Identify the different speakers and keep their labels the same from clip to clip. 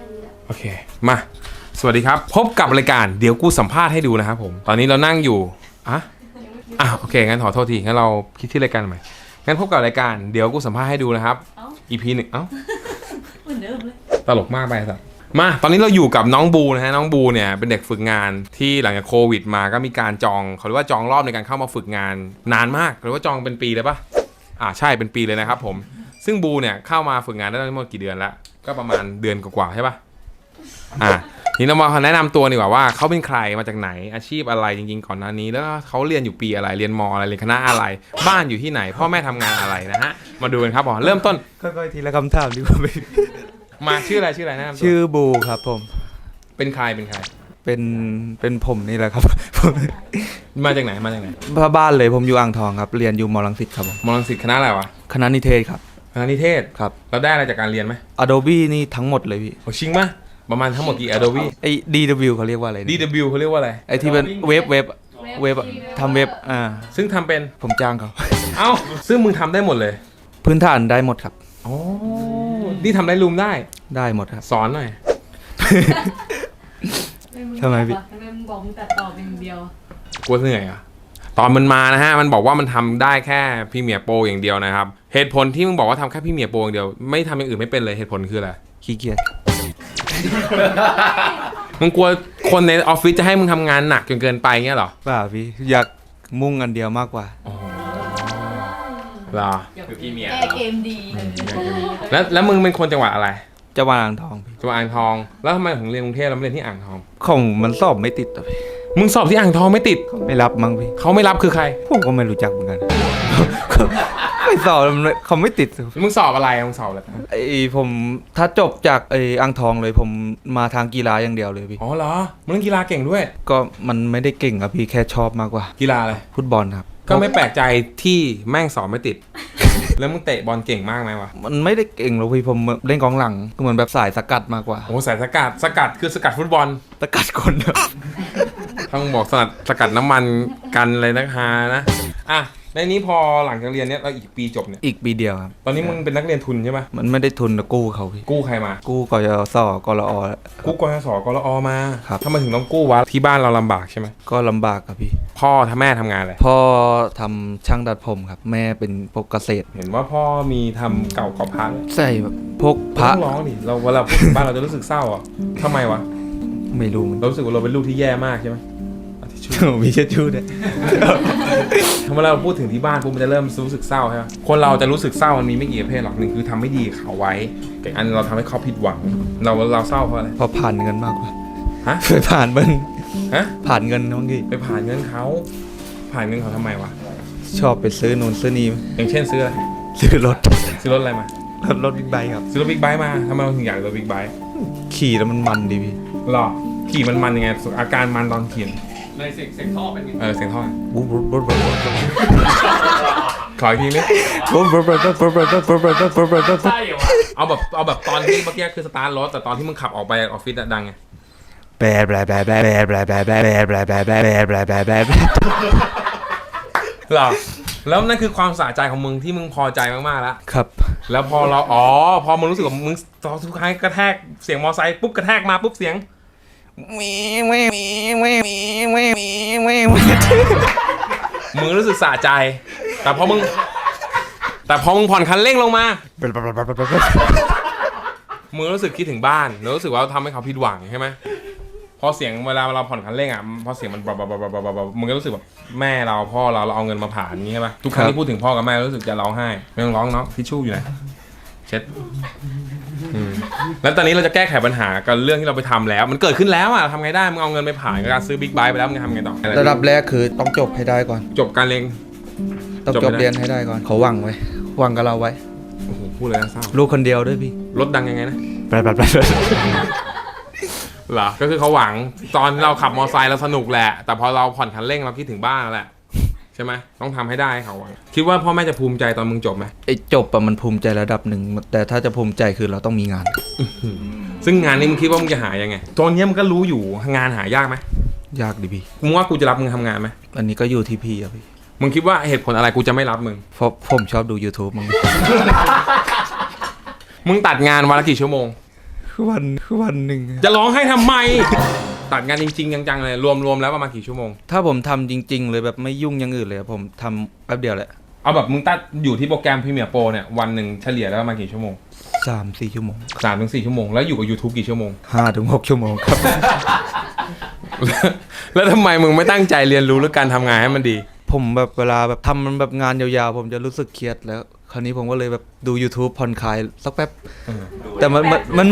Speaker 1: โอเคมาสวัสดีครับพบกับรายการเดี๋ยวกูสัมภาษณ์ให้ดูนะครับผมตอนนี้เรานั่งอยู่โอเคงั้นขอโทษทีงั้นเราคิดที่รายการใหม่งั้นพบกับรายการเดี๋ยวกูสัมภาษณ์ให้ดูนะครับ EP 1
Speaker 2: เหมือนเดิมเลย
Speaker 1: ตลกมากไปสักมาตอนนี้เราอยู่กับน้องบูนะฮะน้องบูเนี่ยเป็นเด็กฝึกงานที่หลังจากโควิดมาก็มีการจองเขาเรียกว่าจองรอบในการเข้ามาฝึกงานนานมากหรือว่าจองเป็นปีเลยปะใช่เป็นปีเลยนะครับผมซึ่งบูเนี่ยเข้ามาฝึกงานได้ทั้งหมดกี่เดือนแล้วก็ประมาณเดือนกว่าใช่ปะนี่เรามาแนะนำตัวดีกว่าว่าเขาเป็นใครมาจากไหนอาชีพอะไรจริงๆก่อนหน้านี้แล้วเขาเรียนอยู่ปีอะไรเรียนมอะไรเรียนคณะอะไรบ้านอยู่ที่ไหนพ่อแม่ทำงานอะไรนะฮะมาดูกันครับผมเริ่มต้น
Speaker 3: ค่อยๆทีละคำถามดีกว่า
Speaker 1: มาชื่ออะไรนะ
Speaker 3: ชื่อบูครับผม
Speaker 1: เป็นใคร
Speaker 3: เป็นผมนี่แหละครับ
Speaker 1: มาจากไหน
Speaker 3: บ้านเลยผมอยู่อ่างทองครับเรียนอยู่มรังสิตครับผม
Speaker 1: มรังสิตคณะอะไรวะ
Speaker 3: คณะนิเทศครับ
Speaker 1: คณะนิเทศ
Speaker 3: ครับ
Speaker 1: เราได้อะไรจากการเรียนไหม
Speaker 3: Adobe นี่ทั้งหมดเลยพี่
Speaker 1: โอ้ชิงมั้ยประมาณทั้งหมดกี่ Adobe
Speaker 3: ไอ้ DW เขาเรียกว่าอะไร
Speaker 1: DW เขาเรียกว่าอะไร
Speaker 3: ไอ้ที่เป็นเว็บทำเว็บ
Speaker 1: ซึ่งทำเป็น
Speaker 3: ผมจ้างเขา
Speaker 1: ซึ่งมึงทำได้หมดเลย
Speaker 3: พื้นฐานได้หมดครับ
Speaker 1: อ๋อนี่ทำได้รูมได้
Speaker 3: หมดครับ
Speaker 1: สอนหน่อย
Speaker 3: ทำไมพี่
Speaker 2: ทำไมมึงบอกมึงตัดต่อเป็นอย่างเดียว
Speaker 1: กลัวเหนื่อยอ่ะตอนมันมานะฮะมันบอกว่ามันทำได้แค่พรีเมียร์โปรอย่างเดียวนะครับเหตุผลที่มึงบอกว่าทำแค่พรีเมียร์โปรอย่างเดียวไม่ทำอย่างอื่นไม่เป็นเลยเหตุผลคืออะไร
Speaker 3: ขี้เกียจ
Speaker 1: มึงกลัวคนในออฟฟิศจะให้มึงทำงานหนักจนเกินไปเงี้ยหรอ
Speaker 3: เปล่าพี่อยากมุ่งอันเดียวมากกว่า
Speaker 1: หรอ
Speaker 2: คือพรีเมียร์เกมดี
Speaker 1: แล้วมึงเป็นคนจังหวัดอะไร
Speaker 3: จังหวัดอ่างทองพี่
Speaker 1: จังหวัดอ่างทองแล้วทำไมถึงเรียนกรุงเทพแล้วไม่เรียนที่อ่างทอง
Speaker 3: ของมันสอบไม่ติดอ่ะพี่
Speaker 1: มึงสอบที่อ่างทองไม่ติด
Speaker 3: ไม่รับมั้งพี่
Speaker 1: เขาไม่รับคือใคร
Speaker 3: ผมก็ไม่รู้จักเหมือนกันไม่สอบเขาไม่ติด
Speaker 1: มึงสอบอะไร
Speaker 3: ผมถ้าจบจากอ่างทองเลยผมมาทางกีฬาอย่างเดียวเลยพี่
Speaker 1: อ๋อเหรอมึงเล่นกีฬาเก่งด้วย
Speaker 3: ก็มันไม่ได้เก่งครับพี่แค่ชอบมากกว่า
Speaker 1: กีฬาอะไร
Speaker 3: ฟุตบอลครับ
Speaker 1: ก็ไม่แปลกใจที่แม่งสอบไม่ติด แล้วมึงเตะบอลเก่งมากไหมวะ
Speaker 3: มันไม่ได้เก่งหรอกพี่ผมเล่นกองหลังก็เหมือนแบบสายสกัดมากกว่า
Speaker 1: โอ้สายสกัดคือสกัดฟุตบอล
Speaker 3: สกัดคน
Speaker 1: ต้องบอกสกัดน้ำมันกันอะไรนะฮานะในนี้พอหลังจากเรียนเนี้ยเราอีกปีจบเนี่ย
Speaker 3: อีกปีเดียวครับ
Speaker 1: ตอนนี้มึงเป็นนักเรียนทุนใช่ไหม
Speaker 3: มันไม่ได้ทุนนะกู้เขาพี่
Speaker 1: กู้ใครมา
Speaker 3: กู้กยศกรอ
Speaker 1: กู้กยศกรอมา
Speaker 3: ครับ
Speaker 1: ทำไมถึงต้องกู้วะที่บ้านเราลำบากใช่ไหม
Speaker 3: ก็ลำบากครับพี่
Speaker 1: พ่อแม่ทำงานอะไร
Speaker 3: พ่อทำช่างดัดผมครับแม่เป็นพวกเกษตร
Speaker 1: เห็นว่าพ่อมีทำเก่ากับพัง
Speaker 3: ใช่แบบพวกพระ
Speaker 1: ร้องดิเราเวลาพูดถึงบ้านเราจะรู้สึกเศร้าอ่ะทำไมวะ
Speaker 3: ไม่รู้
Speaker 1: เรารู้สึกว่าเราเป็นลูกที่แย่มากใช่ไหม
Speaker 3: มีเช็ดชูด้วย
Speaker 1: เมื่อเราพูดถึงที่บ้านปุ๊บมันจะเริ่มรู้สึกเศร้าใช่ไหมคนเราจะรู้สึกเศร้ามันมีไม่กี่ประเภทหรอกหนึ่งคือทำไม่ดีเขาไว้อีกอันเราทำให้เขาผิดหวังเราเศร้าเพราะอะไร
Speaker 3: เพราะผ่านเงินมากกว่า
Speaker 1: ไป
Speaker 3: ผ่านมันผ่าน
Speaker 1: เ
Speaker 3: งินน้องกี้
Speaker 1: ไปผ่านเงินเขาทำไมวะ
Speaker 3: ชอบไปซื้อนู่นซื้อนี่
Speaker 1: อย่างเช่นซื้ออะไร
Speaker 3: ซื้อรถ
Speaker 1: อะไรม
Speaker 3: ารถบิ๊กไบค์ครับ
Speaker 1: ซื้อรถบิ๊กไบค์มาทำไมเราถึงอยากรถบิ๊กไบค์
Speaker 3: ขี่แล้วมันดีพี่
Speaker 1: หรอขี่มันยังไงอาการมันตอนขี่
Speaker 2: เลยเสียงท่อเป็นยังไง
Speaker 1: เสียงท่อ
Speaker 3: บุ๊บ
Speaker 1: ขออีกทีนึงเอาแบบตอนที่เมื่อกี้คือสตาร์ทรถแต่ตอนที่มึงขับออกไปออฟฟิศดังไง
Speaker 3: หร
Speaker 1: อแล้วนั่นคือความสะใจของมึงที่มึงพอใจมากๆแล้ว
Speaker 3: ครับ
Speaker 1: แล้วพอมึงรู้สึกว่ามึงทุกครั้งกระแทกเสียงมอไซค์ปุ๊บกระแทกมาปุ๊บเสียงมึงรู้สึกสะใจแต่พอมึงผ่อนคันเร่งลงมามึงรู้สึกคิดถึงบ้านแล้วรู้สึกว่าทำให้เขาผิดหวังใช่ไหมพอเสียงเวลาเราผ่อนคันเร่งพอเสียงมันมึงก็รู้สึกแบบแม่เราพ่อเราเอาเงินมาผ่านนี้ใช่ไหมทุกครั้งที่พูดถึงพ่อกับแม่รู้สึกจะร้องไห้ไม่ต้องร้องเนาะทิชชู่อยู่ไหนเช็ดแล้วตอนนี้เราจะแก้ไขปัญหากับเรื่องที่เราไปทำแล้วมันเกิดขึ้นแล้วทำไงได้มึงเอาเงินไปผ่านการซื้อบิ๊กไบค์ไปแล้วมึงทำไงต่อ
Speaker 3: ระดับแรกคือต้องจบให้ได้ก่อน
Speaker 1: จบการเรียน
Speaker 3: ต้องจบเรียนให้ได้ก่อนเขาหวังกับเราไว้
Speaker 1: โอ้โหพูดเลยนะเศร้า
Speaker 3: ลูกคนเดียวด้วยพี่
Speaker 1: รถดังยังไงนะเหรอก็คือเขาหวังตอนเราขับมอเตอร์ไซค์เราสนุกแหละแต่พอเราผ่อนคันเร่งเราคิดถึงบ้านแหละใช่ไหมต้องทำให้ได้เขาหวังคิดว่าพ่อแม่จะภูมิใจตอนมึงจบไหม
Speaker 3: จบมันภูมิใจระดับหนึ่งแต่ถ้าจะภูมิใจคือเราต้องมีงาน
Speaker 1: ซึ่งงานนี้มึงคิดว่ามึงจะหายังไงตอนนี้มึงก็รู้อยู่งานหายากไหม
Speaker 3: ยากดิพี่
Speaker 1: มึงว่ากูจะรับมึงทำงานไหม
Speaker 3: อันนี้ก็อยู่ที่พี่อะพี่
Speaker 1: มึงคิดว่าเหตุผลอะไรกูจะไม่รับมึง
Speaker 3: เพราะผมชอบดู YouTube มึง
Speaker 1: มึงตัดงานวันละกี่ชั่วโมง
Speaker 3: วันหนึ่ง
Speaker 1: จะร้องให้ทำไม ตัดงานจริงๆจังๆเลยรวมแล้วประมาณกี่ชั่วโมง
Speaker 3: ถ้าผมทำจริง ๆ เลยแบบไม่ยุ่งอย่างอื่นเลยผมทำแป๊บเดียวแหละ
Speaker 1: เอาแบบมึงตัดอยู่ที่โปรแกรมพรีเมียร์โปรเนี่ยวันหนึ่งเฉลี่ยแล้วประมาณกี่ชั่วโมง
Speaker 3: 3-4 ชั่วโมง
Speaker 1: 3-4 ชั่วโมงแล้วอยู่กับ YouTube กี่ชั่วโมง
Speaker 3: 5-6 ชั่วโมงครับ
Speaker 1: แล้วทำไมมึงไม่ตั้งใจเรียนรู้หรือการทำงานให้มันดี
Speaker 3: ผมแบบเวลาแบบทำมันแบบงานยาวๆผมจะรู้สึกเครียดแล้ว คราวนี้ผมก็เลยแบบดู YouTube ผ่อนคลายสักแป๊บ แต่มัน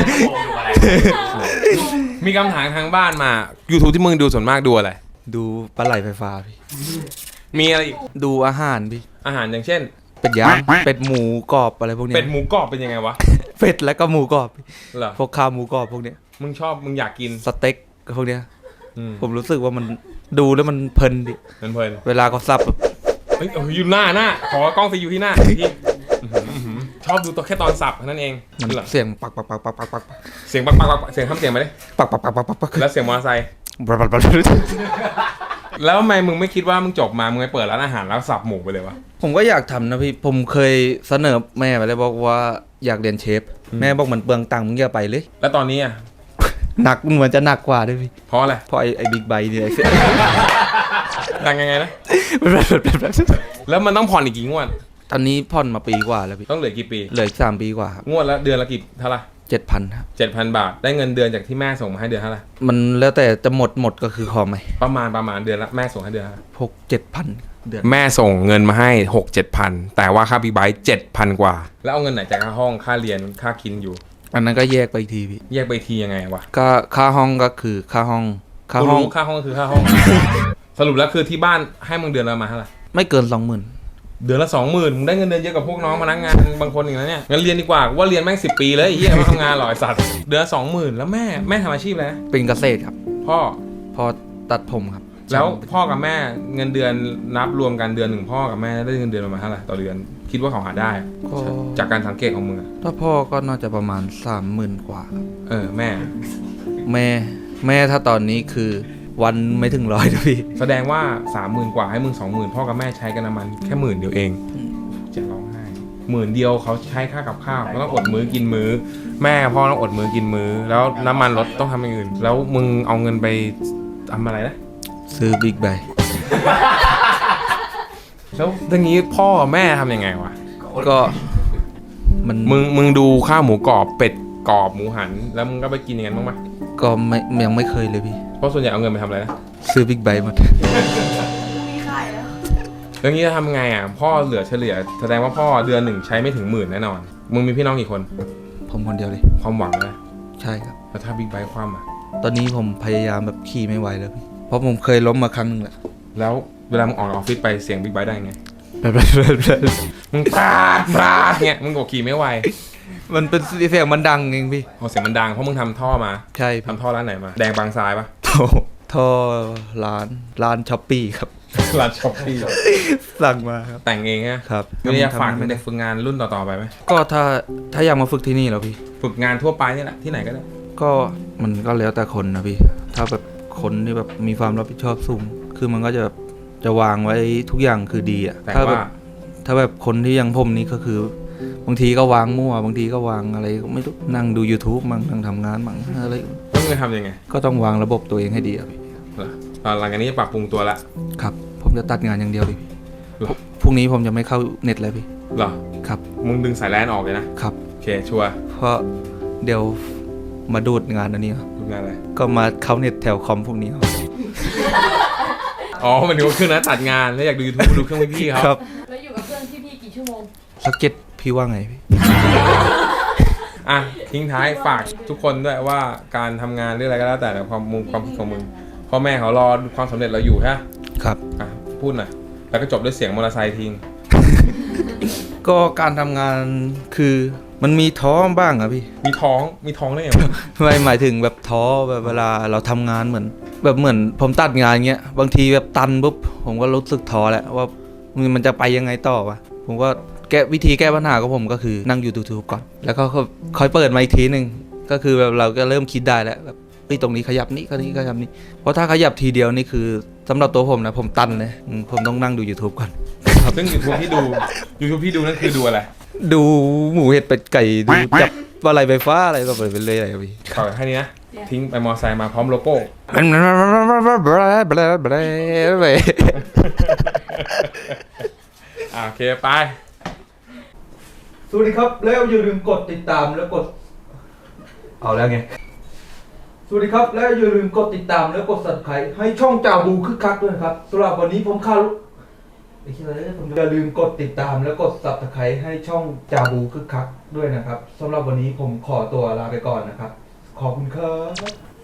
Speaker 1: มีคำถามทางบ้านมา YouTube ที่มึงดูส่วนมากดูอะไร
Speaker 3: ดูปลาไหลไฟฟ้าพี่
Speaker 1: มีอะไรอีก
Speaker 3: ดูอาหารพี่
Speaker 1: อาหารอย่างเช่น
Speaker 3: เป็ดย่างเป็ดหมูกรอบอะไรพวกเนี้ย
Speaker 1: เป็ดหมูกรอบเป็นยังไงวะ
Speaker 3: เป็ดแล้วก็หมูกรอบ
Speaker 1: เหรอ
Speaker 3: พวกข้าวหมูกรอบพวกเนี้ย
Speaker 1: มึงอยากกิน
Speaker 3: สเต็กพวกเนี้ย
Speaker 1: อืม
Speaker 3: ผมรู้สึกว่ามันดูแล้วมันเพลินดิ
Speaker 1: เพลิน
Speaker 3: เวลาเขาสับแบบ
Speaker 1: เฮ้ยอยู่หน้าขอกล้องไปอยู่ที่หน้าที่ชอบดูตัวแค่ตอนสับเท่านั้นเอง
Speaker 3: มัน
Speaker 1: เหรอ
Speaker 3: เสียงปักปักปักปักปักปัก
Speaker 1: เสียงปักเสียงทำเสียงมาดิ
Speaker 3: ปักปักปักปักปักปัก
Speaker 1: แล้วเสียงมอเตอร์ไซค์
Speaker 3: ปักปักปัก
Speaker 1: แล้วทำไมมึงไม่คิดว่ามึงจบมามึงไปเปิดร้านอาหารแล้วสับหมูไปเลยวะ
Speaker 3: ผมก็อยากทำนะพี่ผมเคยเสนอแม่ไปเลยบอกว่าอยากเรียนเชฟแม่บอกมันเปลืองตังค์มึงอย่าไปเลย
Speaker 1: แล้วตอนนี้อ่ะ
Speaker 3: หนักเหมือนจะหนักกว่าด้วยพี่
Speaker 1: เพราะอะไร
Speaker 3: เพราะไอ้บิ๊กไบค์เนี่ย
Speaker 1: ดังยังไงนะแล้วมันต้องผ่อนอีกกี่งวด
Speaker 3: ตอนนี้ผ่อนมาปีกว่าแล้วพี่
Speaker 1: ต้องเหลือกี่ปี
Speaker 3: เหลืออีก3 ปีกว่าครับ
Speaker 1: งวดละเดือนละกี่เท่าไหร่
Speaker 3: 7,000 ครับ
Speaker 1: 7,000 บาทได้เงินเดือนจากที่แม่ส่งมาให้เดือนเท่าไหร่
Speaker 3: มันแล้วแต่จะหมดก็คือพอไหม
Speaker 1: ประมาณเดือนละแม่ส่งให้เดือนเท่าไหร่
Speaker 3: พวก7,000 เดือน
Speaker 1: แม่ส่งเงินมาให้ 6-7,000 แต่ว่าค่าบิ๊กไบค์7,000 กว่า แล้วเอาเงินไหนจากค่าห้องค่าเรียนค่ากินอยู่
Speaker 3: อันนั้นก็แยกไปอีกทีพี่
Speaker 1: แยกไปทียังไงวะ
Speaker 3: ก็ค่าห้องก็คือค่าห้อง
Speaker 1: กูรู้ค่าห้องคือค่าห้อง สรุปแล้วคือที่บ้านให้มึงเดือนละมาเท่าไหร่
Speaker 3: ไม่เกิน 20,000
Speaker 1: เดือนละ 20,000มึงได้เงินเดือนเยอะกว่าพวกน้องพนักงานบางคนอีกแล้วเนี่ยงั้นเรียนดีกว่ากูว่าเรียนแม่ง10 ปีเลยไอ้เหี้ยมาทำงานหรอไอ้สัตว์เดือนละ 20,000แล้วแม่ทำอาชีพอะไรนะ
Speaker 3: เป็นเกษตรครับ
Speaker 1: พ่อ
Speaker 3: พอตัดผมครับ
Speaker 1: แล้วพ่อกับแม่เงินเดือนนับรวมกันเดือนหนึ่งพ่อกับแม่ได้เงินเดือนประมาณเท่าไหร่ต่อเดือนคิดว่าเขาหาได้
Speaker 3: ก็
Speaker 1: จากการสังเกตของมึงอะ
Speaker 3: ถ้าพ่อก็น่าจะประมาณ 30,000 กว่าครับ
Speaker 1: แม่
Speaker 3: แม่ถ้าตอนนี้คือวันไม่ถึง100นะพี่
Speaker 1: แสดงว่า 30,000 กว่าให้มึง 20,000พ่อกับแม่ใช้กันน้ำมันแค่10,000 เดียวเองจะร้องไห้10,000 เดียวเขาใช้ค่ากับข้าวแล้วต้องอดมื้อกินมื้อแม่พ่อต้องอดมื้อกินมื้อแล้วน้ำมันรถต้องทำอย่างอื่นแล้วมึงเอาเงินไปทำอะไรนะ
Speaker 3: ซื้อบิ๊กไบค์
Speaker 1: แล้วอย่างนี้พ่อแม่ทำยังไงวะ
Speaker 3: ก็มัน
Speaker 1: มึงดูข้าวหมูกรอบเป็ดกรอบหมูหันแล้วมึงก็ไปกินอย่างนั้นบ้างไหม
Speaker 3: ก็ยังไม่เคยเลยพี่
Speaker 1: เพราะส่วนใหญ่เอาเงินไปทำอะไรนะ
Speaker 3: ซื้อบิ๊กไบค์หมด
Speaker 2: มีขายแล้ว
Speaker 1: แล้วงี้จะทำไงอ่ะพ่อเหลือเฉลี่ยแสดงว่าพ่อเดือนหนึ่งใช้ไม่ถึง10,000แน่นอนมึงมีพี่น้องกี่คน
Speaker 3: ผมคนเดียวเลย
Speaker 1: ความหวังนะ
Speaker 3: ใช่ครับ
Speaker 1: แล้วถ้าบิ๊กไบค์คว่ำอ่ะ
Speaker 3: ตอนนี้ผมพยายามแบบขี่ไม่ไหวแล้วพี่ เพราะผมเคยล้มมาครั้งหนึงแหละ
Speaker 1: แล้วเวลามึงออกจากออฟฟิศไปเสียงบิ๊กไบค์ได้ไง
Speaker 3: แบบ
Speaker 1: มึงปราดเงี้ยมึงบอกขี่ไม่ไหว
Speaker 3: มันเป็นเสียงมันดังเองพี่
Speaker 1: พอเสียงมันดังเพราะมึงทำท่อมา
Speaker 3: ใช่พี่
Speaker 1: ทำท่อร้านไหนมาแดงบางทรายปะ
Speaker 3: ท่อร้านช้อปปี้ครับ
Speaker 1: ร้านช็อปปี้
Speaker 3: สั่งมาครับ
Speaker 1: แต่งเองฮะ
Speaker 3: ครับ
Speaker 1: ไม่อยากฝาก
Speaker 3: ทำ
Speaker 1: เด็กฝึกงานรุ่นต่อๆไปไหม
Speaker 3: ก็ถ้าอยากมาฝึกที่นี่แล้วพี่
Speaker 1: ฝึกงานทั่วไปนี่แหละที่ไหนก็ได้
Speaker 3: ก็มันก็แล้วแต่คนนะพี่ ถ้าแบบคนที่แบบมีความรับผิดชอบสูง คือมันก็จะแบบจะวางไว้ทุกอย่างคือดีอะ
Speaker 1: แต่
Speaker 3: ถ้าแบ
Speaker 1: ว่า
Speaker 3: บถ้าแบบคนที่ยังผมนี่ก็คือบางทีก็วางมั่วบางทีก็วางอะไรก็ไม่รู้นั่งดู YouTube มั่งนั่งทำงานมั่งอะไร
Speaker 1: แล้วมึงจะทำยังไง
Speaker 3: ก็ต้องวางระบบตัวเองให้ดีอะพี่
Speaker 1: เหรอตอนหลังจากนี้จะปรับปรุงตัวละ
Speaker 3: ครับ ผมจะตัดงานอย่างเดียวเลยพี่
Speaker 1: เหรอ
Speaker 3: พรุ่งนี้ผมจะไม่เข้าเน็ตเลยพี่
Speaker 1: เหรอ
Speaker 3: ครับ
Speaker 1: มึงดึงสายแลนออกเลยนะครับ โอเคชัวร์
Speaker 3: เพราะเดี๋ยวมาดูดงานอันนี้ครับ
Speaker 1: ดูงานอะไร
Speaker 3: ก็มาเข้าเน็ตแถวคอมพวกนี้ครับ
Speaker 1: อ๋อมันถึงว่าเครื่องนั้นตัดงานแล้วอยากดู YouTube ดูเครื่องพี่ๆเขา
Speaker 3: ครับ
Speaker 2: แล้วอยู่กับเพื่อนที่พี่กี่ชั่วโมง
Speaker 3: สักเก็ตพี่ว่าไงพี่
Speaker 1: อ่ะทิ้งท้ายฝากทุกคนด้วยว่าการทำงานหรืออะไรก็แล้วแต่ความคิดของมึงพ่อแม่เขารอความสำเร็จเราอยู่ฮะ
Speaker 3: ครับ
Speaker 1: อ่ะพูดหน่อยแล้วก็จบด้วยเสียงมอเตอร์ไซค์ทิ้ง
Speaker 3: ก็การทำงานคือมันมีท้อบ้างอะพี่
Speaker 1: มีท้องได้ไงวะ
Speaker 3: ไม่หมายถึงแบบท้อแบบเวลาเราทำงานเหมือนผมตัดงานเงี้ยบางทีแบบตันปุ๊บผมก็รู้สึกท้อแหละว่ามันจะไปยังไงต่อวะผมก็วิธีแก้ปัญหาของผมก็คือนั่งอยู่ YouTube ก่อน แล้วก็ค่อยเปิดมาอีกทีหนึ่งก็คือแบบเราก็เริ่มคิดได้แล้วแบบตรงนี้ขยับนี้ก็นี้ขยับนี้เพราะถ้าขยับทีเดียวนี่คือสำหรับตัวผมนะผมตันเลยผมต้องนั่งดู YouTube ก่อน
Speaker 1: ซึ่ง YouTube ที่ดูนั่นคือดูอะไร
Speaker 3: ดูหมูเห็ดเป็ดไก่ดูจับอะไรไฟฟ้าอะไรก็ไปเลยอะไรพี่
Speaker 1: ขอแค่นี้นะ ทิ้งไปมอไซค์มาพร้อมโลโก้ โอเคไป
Speaker 3: สวัสดีครับแล้วอย่าลืมกดติดตามแล้วกดเอาแล้วไงสวัสดีครับแล้วอย่าลืมกดติดตามแล้วกด Subscribe ให้ช่องจ่าบูคึกคักด้วยนะครับสำหรับวันนี้ผมคารุไม่ใช่เลยผมอย่าลืมกดติดตามแล้วกด Subscribe ให้ช่องจ่าบูคึกคักด้วยนะครับสำหรับวันนี้ผมขอตัวลาไปก่อนนะครับขอบคุณครับ